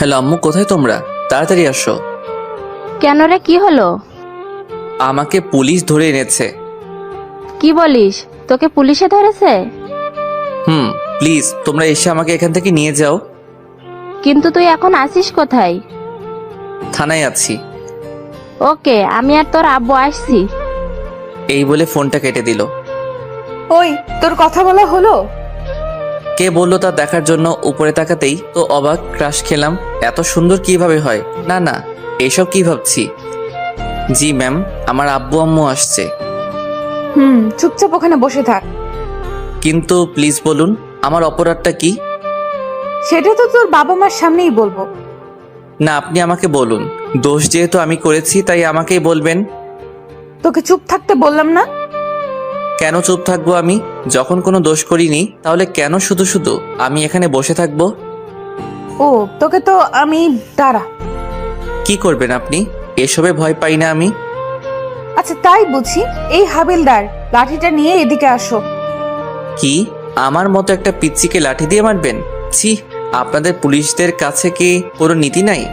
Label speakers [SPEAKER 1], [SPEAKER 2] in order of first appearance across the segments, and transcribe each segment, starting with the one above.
[SPEAKER 1] Hello আম্মু, কোথায় তোমরা? তাড়াতাড়ি আসো।
[SPEAKER 2] কেন রে, কি হলো?
[SPEAKER 1] আমাকে পুলিশ ধরে এনেছে।
[SPEAKER 2] কি বলিস? তোকে পুলিশে ধরেছে?
[SPEAKER 1] প্লিজ তোমরা এসে আমাকে এখান থেকে নিয়ে যাও।
[SPEAKER 2] কিন্তু তুই এখন আসিস কোথায়?
[SPEAKER 1] থানায় আছি।
[SPEAKER 2] ওকে, আমি আর তোর আব্বু আসছি।
[SPEAKER 1] এই বলে ফোনটা কেটে দিল।
[SPEAKER 3] ওই, তোর কথা বলা হলো?
[SPEAKER 1] কে বললো তা দেখার জন্য উপরে তাকাতেই তো অবাক, ক্রাশ খেলাম। এত সুন্দর কিভাবে হয়? না না, এসব কি ভাবছি। জি ম্যাম, আমার আব্বু আম্মু আসছে।
[SPEAKER 3] চুপচাপ ওখানে বসে থাক।
[SPEAKER 1] কিন্তু প্লিজ বলুন, আমার অপরাধটা কি?
[SPEAKER 3] সেটা তো তোর বাবা মার সামনেই বলবো।
[SPEAKER 1] না, আপনি আমাকে বলুন। দোষ যেহেতু আমি করেছি তাই আমাকেই বলবেন।
[SPEAKER 3] তোকে চুপ থাকতে বললাম না?
[SPEAKER 1] কেন চুপ থাকবো আমি? যখন কোনো দোষ করিনি তাহলে কেন শুধু শুধু আমি এখানে বসে থাকবো?
[SPEAKER 3] ও, তোকে তো আমি দাঁড়া।
[SPEAKER 1] কি করবেন আপনি? এসবে ভয় পাই না আমি।
[SPEAKER 3] আচ্ছা তাই বুঝি। এই হাবিলদার, লাঠিটা নিয়ে এদিকে আসো।
[SPEAKER 1] কি? আমার মতো একটা পিচ্চিকে লাঠি দিয়ে মারবেন? ছি, আপনাদের পুলিশদের কাছে কি কোনো নীতি নাই?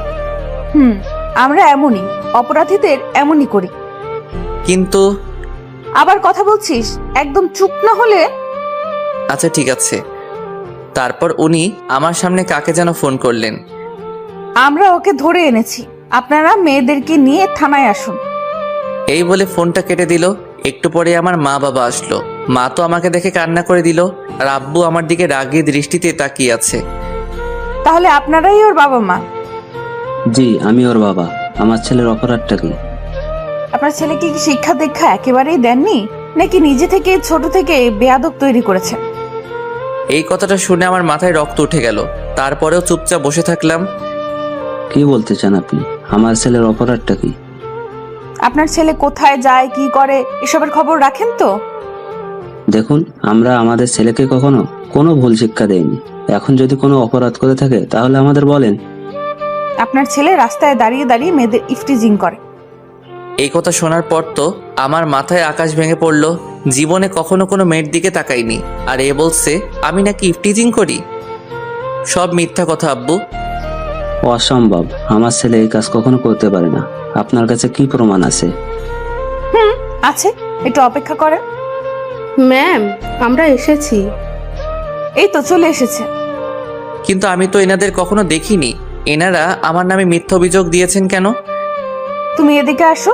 [SPEAKER 3] আমরা এমনই, অপরাধীদের এমনই করি।
[SPEAKER 1] কিন্তু
[SPEAKER 3] আবার কথা বলছিস? একদম চুপ না হলে।
[SPEAKER 1] আচ্ছা ঠিক আছে। তারপর উনি আমার সামনে কাকে যেন ফোন করলেন।
[SPEAKER 3] আমরা ওকে ধরে এনেছি, আপনারা মেয়েদেরকে নিয়ে থানায় আসুন।
[SPEAKER 1] এই বলে ফোনটা কেটে দিল। একটু পরে আমার মা বাবা আসলো। মা তো আমাকে দেখে কান্না করে দিল, আর আব্বু আমার দিকে রাগী দৃষ্টিতে তাকিয়ে আছে।
[SPEAKER 3] তাহলে আপনারাই ওর বাবা মা?
[SPEAKER 4] জি, আমি ওর বাবা। আমার ছেলের অপরাধটা কি?
[SPEAKER 3] আপনার ছেলেকে কি শিক্ষা দীক্ষা একেবারেই দেননি, নাকি নিজে থেকে ছোট থেকে বেয়াদব তৈরি করেছেন?
[SPEAKER 1] এই কথাটা শুনে আমার মাথায় রক্ত উঠে গেল। তারপরেও চুপচাপ বসে থাকলাম।
[SPEAKER 4] কি বলতে চান আপনি? আমার ছেলের অপরাধটা কি?
[SPEAKER 3] আপনার ছেলে কোথায় যায়, কি করে, এসবের খবর রাখেন তো?
[SPEAKER 4] দেখুন, আমরা আমাদের ছেলেকে কখনো কোনো ভুল শিক্ষা দেইনি। এখন যদি কোনো অপরাধ করে থাকে তাহলে আমাদের বলেন।
[SPEAKER 3] আপনার ছেলে রাস্তায় দাঁড়িয়ে দাঁড়িয়ে মেয়েদের ইফটিজিং করে।
[SPEAKER 1] এই কথা শোনার পর তো আমার মাথায় আকাশ ভেঙে পড়লো। জীবনে কখনো কোনো মেয়ের দিকে তাকাইনি, আর এ বলছে আমি নাকি ইফটিজিং করি। সব মিথ্যা কথা আব্বু।
[SPEAKER 4] অসম্ভব, আমার ছেলে এই কাজ কখনো করতে পারে না। আপনার কাছে কি প্রমাণ আছে?
[SPEAKER 3] আছে, একটু অপেক্ষা করেন।
[SPEAKER 5] ম্যাম, আমরা এসেছি।
[SPEAKER 3] এই তো চলে এসেছে।
[SPEAKER 1] কিন্তু আমি তো এনাদের কখনো দেখিনি। এনারা আমার নামে মিথ্যা অভিযোগ দিয়েছেন কেন?
[SPEAKER 3] তুমি এদিকে আসো।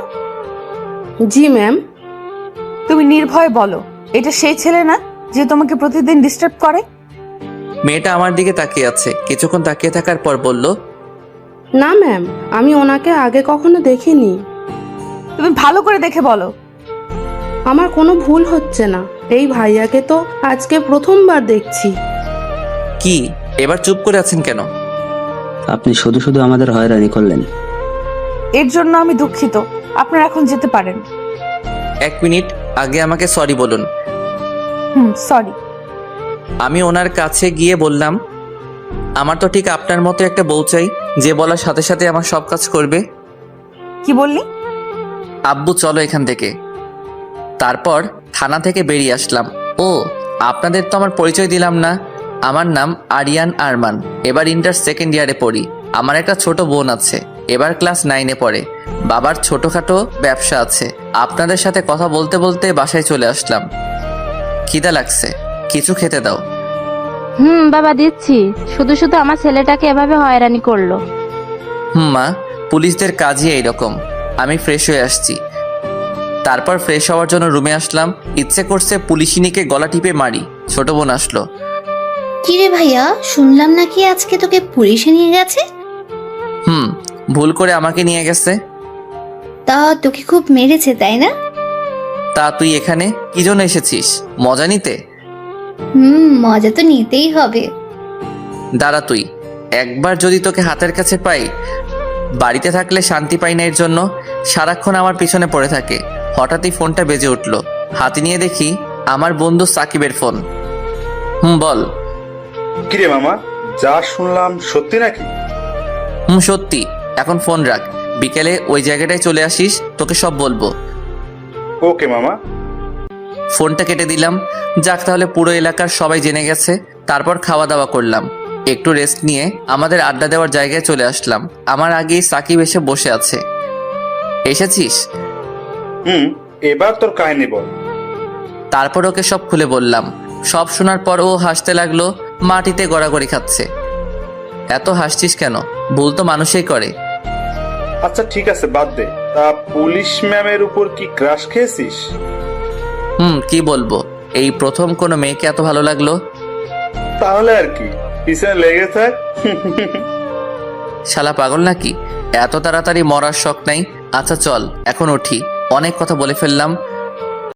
[SPEAKER 5] জি ম্যাম।
[SPEAKER 3] তুমি নির্ভয়ে বলো, এটা সেই ছেলে না যে তোমাকে প্রতিদিন ডিস্টার্ব করে?
[SPEAKER 1] মেয়েটা আমার দিকে তাকিয়ে আছে। কিছুক্ষণ তাকিয়ে থাকার পর বলল,
[SPEAKER 5] না ম্যাম, আমি ওনাকে আগে কখনো দেখিনি।
[SPEAKER 3] তুমি ভালো করে দেখে বলো।
[SPEAKER 5] আমার কোনো ভুল হচ্ছে না। এই ভাইয়াকে তো আজকে প্রথমবার দেখছি।
[SPEAKER 1] কি এবার চুপ করে আছেন কেন?
[SPEAKER 4] আপনি শুধু শুধু আমাদের হয়রানি করলেন।
[SPEAKER 3] এর জন্য আমি দুঃখিত। আপনারা এখন যেতে পারেন।
[SPEAKER 1] এক মিনিট, আগে আমাকে সরি বলুন।
[SPEAKER 3] সরি।
[SPEAKER 1] আমি ওনার কাছে গিয়ে বললাম, আমার তো ঠিক আপনার মতো একটা বউ চাই, যে বলার সাথে সাথে আমার সব কাজ করবে।
[SPEAKER 3] কি বললি?
[SPEAKER 1] আব্বু চলো এখান থেকে। তারপর থানা থেকে বেরিয়ে আসলাম। ও, আপনাদের তো আমার পরিচয় দিলাম না। আমার নাম আরিয়ান আরমান। এবার ইন্টার সেকেন্ড ইয়ারে পড়ি। আমার একটা ছোট বোন আছে, এবার ক্লাস 9-এ পড়ে। বাবার ছোটখাটো ব্যবসা আছে। আপনাদের সাথে কথা বলতে বলতে বাসায় চলে আসলাম। খিদা লাগছে, কিছু খেতে দাও।
[SPEAKER 2] বাবা দিচ্ছি। শুধু শুধু আমার ছেলেটাকে এভাবে হয়রানি করলো।
[SPEAKER 1] মা, পুলিশদের কাজই এইরকম। আমি ফ্রেশ হয়ে আসছি। তারপর ফ্রেশ হওয়ার জন্য রুমে আসলাম। ইচ্ছে করছে পুলিশিনীকে গলা টিপে মারি। ছোট বোন আসলো।
[SPEAKER 6] কিরে ভাইয়া, শুনলাম নাকি আজকে তোকে পুলিশে নিয়ে গেছে?
[SPEAKER 1] ভুল করে আমাকে নিয়ে গেছে।
[SPEAKER 6] তা তোকে খুব মেরেছে তাই না?
[SPEAKER 1] তা তুই এখানে কি জন্য এসেছিস? মজা নিতে?
[SPEAKER 6] মজা তো নিতেই হবে।
[SPEAKER 1] দাঁড়া তুই, একবার যদি তোকে হাতের কাছে পাই। বাড়িতে থাকলে শান্তি পাই না, এর জন্য সারাক্ষণ আমার পিছনে পড়ে থাকে। হঠাৎই ফোনটা বেজে উঠলো। হাতে নিয়ে দেখি আমার বন্ধু সাকিবের ফোন। বল।
[SPEAKER 7] কিরে মামা, যা শুনলাম সত্যি নাকি?
[SPEAKER 1] সত্যি। এখন ফোন রাখ, বিকেলে ওই জায়গাটায় চলে আসিস, তোকে সব বলবো।
[SPEAKER 7] ওকে মামা।
[SPEAKER 1] ফোনটা কেটে দিলাম। যাক, তাহলে পুরো এলাকার সবাই জেনে গেছে। তারপর খাওয়া দাওয়া করলাম। একটু রেস্ট নিয়ে আমাদের আড্ডা দেওয়ার জায়গায় চলে আসলাম। আমার আগেই সাকিব এসে বসে আছে। এসেছিস?
[SPEAKER 7] এবার তোর কাহিনী বল।
[SPEAKER 1] তারপর ওকে সব খুলে বললাম। সব শোনার পর ও হাসতে লাগলো, মাটিতে গড়াগড়ি খাচ্ছে। এত হাসছিস কেন? ভুল তো মানুষই করে।
[SPEAKER 7] আচ্ছা ঠিক আছে, বাদ দে। তা পুলিশ ম্যামের উপর কি ক্রাশ খেয়েছিস?
[SPEAKER 1] কি বলবো, এই প্রথম কোনো মেয়েকে এত ভালো লাগলো।
[SPEAKER 7] তাহলে আর কি, পিছনে লেগে থাক।
[SPEAKER 1] শালা পাগল নাকি? এত তাড়াতাড়ি মরার শখ নাই। আচ্ছা চল এখন উঠি, অনেক কথা বলে ফেললাম।